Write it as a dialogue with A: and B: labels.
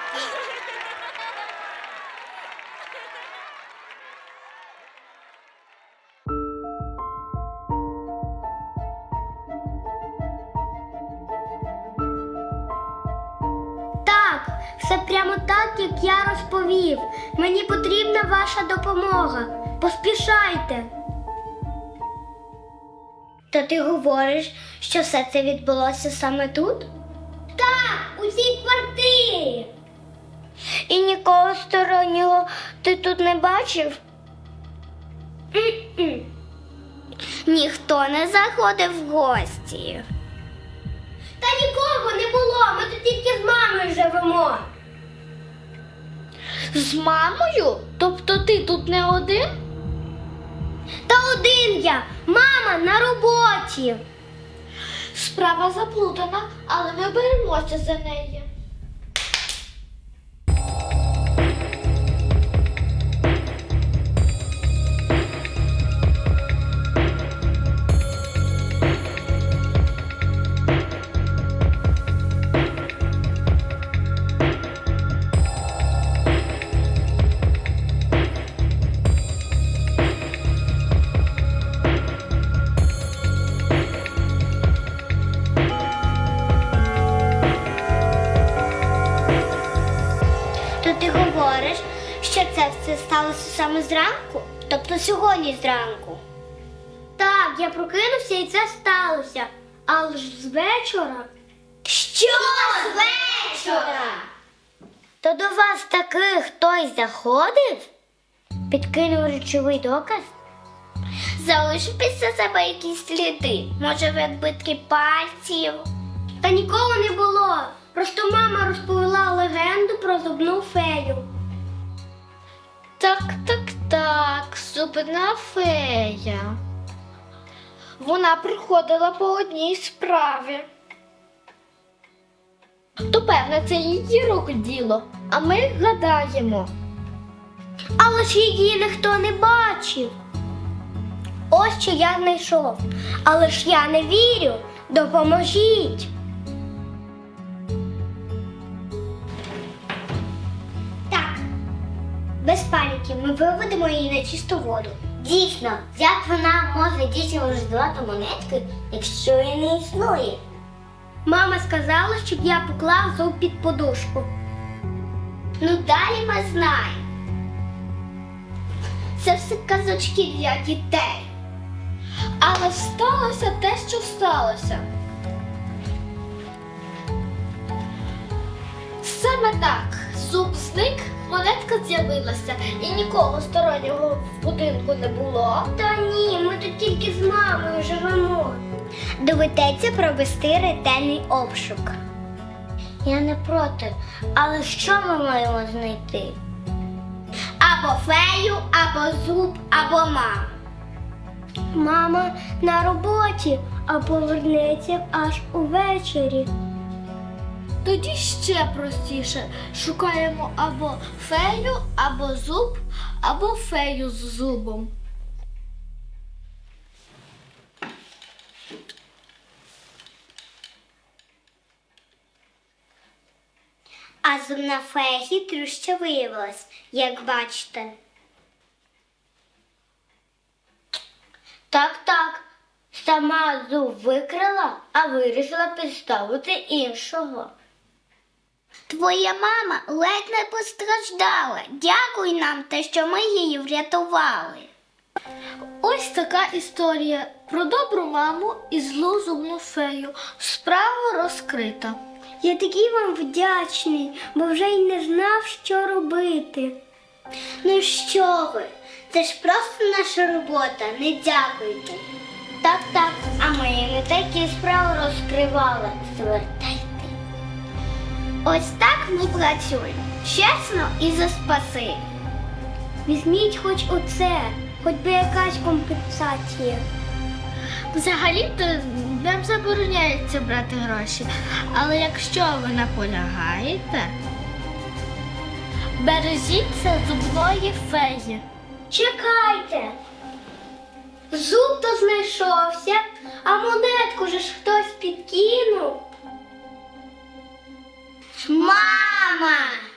A: Так, все прямо так, як я розповів. Мені потрібна ваша допомога. Поспішайте. То ти говориш, що все це відбулося саме тут? Так, у цій квартирі. І нікого стороннього ти тут не бачив? Ніхто не заходив в гості. Та нікого не було, ми тут тільки з мамою живемо.
B: З мамою? Тобто ти тут не один?
A: Та один я, мама на роботі.
B: Справа заплутана, але ми беремося за неї.
A: То ти говориш, що це все сталося саме зранку? Тобто сьогодні зранку? Так, я прокинувся і це сталося. Але ж з вечора. Що з вечора? То до вас таки хтось заходив? Підкинув речовий доказ? Залишив після себе якісь сліди? Може, відбитки пальців? Та нікого не було. Просто мама розповіла легенду про зубну фею.
B: Так, зубна фея. Вона приходила по одній справі. То, певне, це її рук діло, а ми гадаємо.
A: Але ж її ніхто не бачив. Ось що я знайшов. Але ж я не вірю. Допоможіть. Так, без паніки, ми виведемо її на чисту воду. Дійсно, як вона може дітям роздавати монетки, якщо її не існує? Мама сказала, щоб я поклав зуб під подушку. Ну далі ми знаємо. Це все казочки для дітей.
B: Але сталося те, що сталося. Саме так. Зуб зник, монетка з'явилася і нікого стороннього в будинку не було.
A: Та ні, ми тут тільки з мамою живемо. Доведеться провести ретельний обшук. Я не проти, але що ми маємо знайти? Або фею, або зуб, або маму. Мама на роботі, а повернеться аж увечері.
B: Тоді ще простіше. Шукаємо або фею, або зуб, або фею з зубом.
A: А зубна фея хитрюща виявилась, як бачите. Так, сама зуб викрала, а вирішила підставити іншого. Твоя мама ледь не постраждала. Дякуй нам те, що ми її врятували.
B: Ось така історія про добру маму і злу зубну фею. Справа розкрита.
A: Я такий вам вдячний, бо вже й не знав, що робити. Ну що ви, це ж просто наша робота, не дякуйте. Так, а ми не такі справи розкривали. Звертайте. Ось так ми працюємо. Чесно і за спаси. Візьміть хоч оце, хоч би якась компенсація.
B: Взагалі-то нам забороняється брати гроші, але якщо ви наполягаєте, бережіться зубної феї.
A: Чекайте. Зуб то знайшовся, а монетку же ж хтось підкинув. Мама!